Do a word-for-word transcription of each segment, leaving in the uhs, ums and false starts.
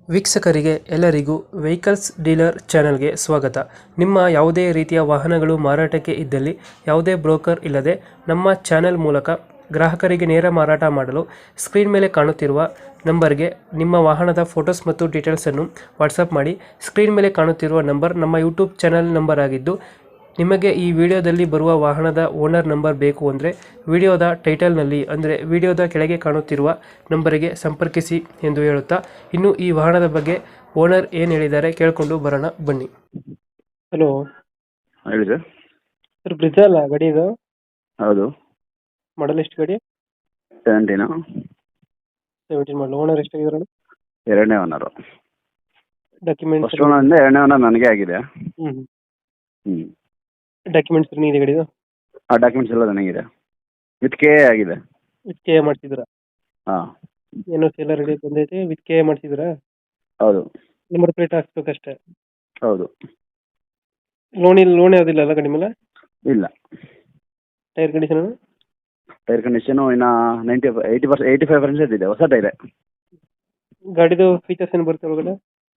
ವೀಕ್ಷಕರಿಗೆ ಎಲ್ಲರಿಗೂ vehicles dealer ಚಾನೆಲ್ಗೆ ಸ್ವಾಗತ. ನಿಮ್ಮ ಯಾವುದೇ ರೀತಿಯ ವಾಹನಗಳು ಮಾರಾಟಕ್ಕೆ ಇದ್ದಲ್ಲಿ ಯಾವುದೇ ಬ್ರೋಕರ್ ಇಲ್ಲದೆ ನಮ್ಮ ಚಾನೆಲ್ ಮೂಲಕ ಗ್ರಾಹಕರಿಗೆ ನೇರ ಮಾರಾಟ ಮಾಡಲು ಸ್ಕ್ರೀನ್ ಮೇಲೆ ಕಾಣುತ್ತಿರುವ ನಂಬರ್ಗೆ ನಿಮ್ಮ ವಾಹನದ ಫೋಟೋಸ್ ಮತ್ತು ಡೀಟೇಲ್ಸನ್ನು ವಾಟ್ಸಪ್ ಮಾಡಿ. ಸ್ಕ್ರೀನ್ ಮೇಲೆ ಕಾಣುತ್ತಿರುವ ನಂಬರ್ ನಮ್ಮ ಯೂಟ್ಯೂಬ್ ಚಾನೆಲ್ ನಂಬರ್ ಆಗಿದ್ದು, ನಿಮಗೆ ಈ ವಿಡಿಯೋದಲ್ಲಿ ಬರುವ ವಾಹನದ ಓನರ್ ನಂಬರ್ ಬೇಕು ಅಂದರೆ ವಿಡಿಯೋದ ಟೈಟಲ್ನಲ್ಲಿ ಅಂದರೆ ವಿಡಿಯೋದ ಕೆಳಗೆ ಕಾಣುತ್ತಿರುವ ನಂಬರಿಗೆ ಸಂಪರ್ಕಿಸಿ ಎಂದು ಹೇಳುತ್ತಾ, ಇನ್ನು ಈ ವಾಹನದ ಬಗ್ಗೆ ಓನರ್ ಏನು ಹೇಳಿದ್ದಾರೆ ಕೇಳಿಕೊಂಡು ಬರೋಣ ಬನ್ನಿ. ಹಲೋ ಹೇಳಿ ಸರ್. ಸರ್, ಬ್ರಿಜಾ ಅಲ್ಲ ಗಾಡಿ ಇದು? ಹೌದು. ಮಾಡಲ್ ಎಷ್ಟು ಗಾಡಿ? ಸೆವೆಂಟೀನು. Seventeen model. ಓನರ್ ಎಷ್ಟಾಗಿದ್ದಾರೆ? ಎರಡನೇ ಓನರು. ಡಾಕ್ಯುಮೆಂಟ್ಸ್ ಫಸ್ಟ್ ಓನರಿಂದ ಎರಡನೇ ಓನರ್ ನನಗೆ ಆಗಿದೆ. ಹ್ಞೂ ಹ್ಞೂ ಡಾಕ್ಯುಮೆಂಟ್ಸ್ ಇದೆ ಗಾಡಿದು? ಆ ಡಾಕ್ಯುಮೆಂಟ್ಸ್ ಎಲ್ಲ ನನಗಿದೆ. ವಿತ್ ಕೆ ಎ ಆಗಿದೆ. ವಿತ್ ಕೆ ಎ ಮಾಡಿಸಿದ್ರಾ? ಹಾಂ. ಏನೋ ಎಲ್ಲ ರೆಡಿ ಬಂದೈತೆ. ವಿತ್ ಕೆ ಎ ಮಾಡಿಸಿದ್ರಾ? ಹೌದು. ನಂಬರ್ ಪ್ಲೇಟ್ ಹಾಕ್ಸ್ಬೇಕಷ್ಟೇ. ಹೌದು. ಲೋನ್ ಇಲ್ಲ, ಲೋನ್ ಯಾವುದಿಲ್ಲ ಅಲ್ಲ ಗಾಡಿ ಮೇಲೆ? ಇಲ್ಲ. Tyre condition? ಟೈರ್ ಕಂಡೀಷನು ಇನ್ನು ninety eighty percent eighty five percent ಇದೆ. ಹೊಸ ಟೈರೆ. ಗಾಡಿದು ಫೀಚರ್ಸ್ ಏನು ಬರುತ್ತೆ ಒಳಗಡೆ?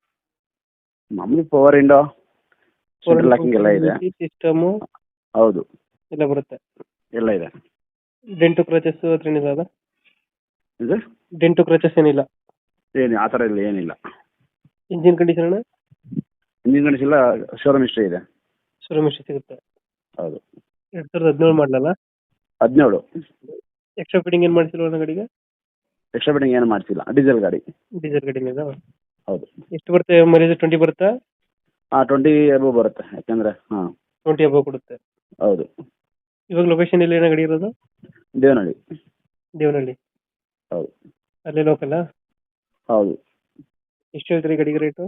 ಮಾಮೂಲಿ ಪವರ್ ವಿಂಡೋ, ಸೆಂಟ್ರಲ್ ಲಾಕಿಂಗ್ ಎಲ್ಲ ಇದೆ. ಸಿಸ್ಟಮು ಹೌದು, ಎಲ್ಲ ಬರುತ್ತೆ. ಎಲ್ಲ ಇದೆ. ಡೆಂಟು ಕ್ರಚಸ್ ಹತ್ರ ಏನಿಲ್ಲ ಅಲ್ಲ? ಇದು ಡೆಂಟು ಕ್ರಚಸ್ ಏನಿಲ್ಲ? ಏನು ಆ ಥರ ಇಲ್ಲ, ಏನಿಲ್ಲ. Engine condition? ಇಂಜಿನ್ ಕಂಡೀಷನ್ ಎಲ್ಲ ಶೋರೂಮ್ ಹಿಸ್ಟ್ರಿ ಇದೆ. ಶೋರೂಮ್ ಹಿಸ್ಟ್ರಿ ಸಿಗುತ್ತೆ. ಹೌದು. ಎರಡು ಸಾವಿರದ ಹದಿನೇಳು ಮಾಡಲಲ್ಲ? ಹದಿನೇಳು. ಎಕ್ಸ್ಟ್ರಾ ಫಿಟ್ಟಿಂಗ್ ಏನು ಮಾಡಿಸಿಲ್ವ ಗಾಡಿಗೆ? ಎಕ್ಸ್ಟ್ರಾ ಬಿಟ್ಟಿಂಗ್ ಏನು ಮಾಡಿಸಿಲ್ಲ. ಡೀಸೆಲ್ ಗಾಡಿ. ಡೀಸೆಲ್ ಗಾಡಿನೇ ಇದು? ಹೌದು. ಎಷ್ಟು ಬರುತ್ತೆ ಮೈಲೇಜ್? ಟ್ವೆಂಟಿ ಬರುತ್ತಾ? ಹಾಂ, ಟ್ವೆಂಟಿ ಅಬೋ ಬರುತ್ತೆ. ಯಾಕೆಂದರೆ ಹಾಂ ಟ್ವೆಂಟಿ ಅಬೋ ಕೊಡುತ್ತೆ. ಹೌದು. ಇವಾಗ ಲೊಕೇಶನ್ ಎಲ್ಲಿ ಏನೋ ಗಾಡಿ ಇರೋದು? ದೇವನಹಳ್ಳಿ. ದೇವನಹಳ್ಳಿ. ಹೌದು. ಅಲ್ಲೇ ಲೋಕಲ್ಲ? ಹೌದು. ಎಷ್ಟು ಹೇಳ್ತೀರಿ ಗಾಡಿಗೆ ರೇಟು?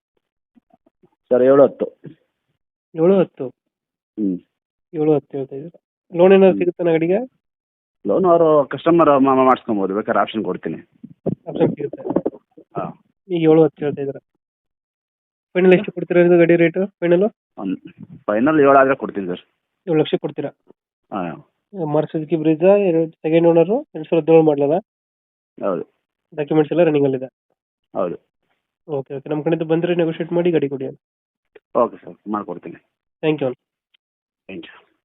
ಸರ್, ಏಳು ಹತ್ತು. ಏಳು ಹತ್ತು? ಹ್ಞೂ ಏಳು ಹತ್ತು ಹೇಳ್ತಾ ಇದ್ದೀರಾ. ಲೋನ್ ಏನಾದ್ರು ಸಿಗುತ್ತಾ ಗಾಡಿಗೆ? ಲೋನ್ ಅವರು ಕಸ್ಟಮರ್ ಮಾಡಿಸ್ಕೊಬೋದು, ಬೇಕಾದ್ರೆ ಆಪ್ಷನ್ ಕೊಡ್ತೀನಿ. ಆಪ್ಷನ್ ಸಿಗುತ್ತೆ. ಹಾಂ. ಈಗ ಏಳು ಹತ್ತು ಹೇಳ್ತಾ ಇದ್ದೀರಾ. ಫೈನಲ್ ಎಷ್ಟು ಕೊಡ್ತೀರಾ ಇದು ಗಾಡಿ ರೇಟು? ಫೈನಲು ಒಂದು ಫೈನಲ್ ಏಳು ಆದರೆ ಕೊಡ್ತೀನಿ ಸರ್. ಏಳು ಲಕ್ಷ ಕೊಡ್ತೀರಾ? ಹಾಂ. ಮಾರುತಿ ಬ್ರಿಜಾ, ಎರಡು ಸೆಕೆಂಡ್ ಓನರು, ಎರಡು ಸಾವಿರದ ಹದಿನೇಳು ಮಾಡಲಲ್ಲ? ಹೌದು. ಡಾಕ್ಯುಮೆಂಟ್ಸ್ ಎಲ್ಲ ರನ್ನಿಂಗಲ್ಲಿದೆ? ಹೌದು. ಓಕೆ ಓಕೆ ನಮ್ಮ ಕಡೆಯಿಂದ ಬಂದರೆ ನೆಗೋಷಿಯೇಟ್ ಮಾಡಿ ಗಾಡಿ ಕೊಡಿ. ಓಕೆ ಸರ್, ಮಾಡಿಕೊಡ್ತೀನಿ. Thank you. Thank you.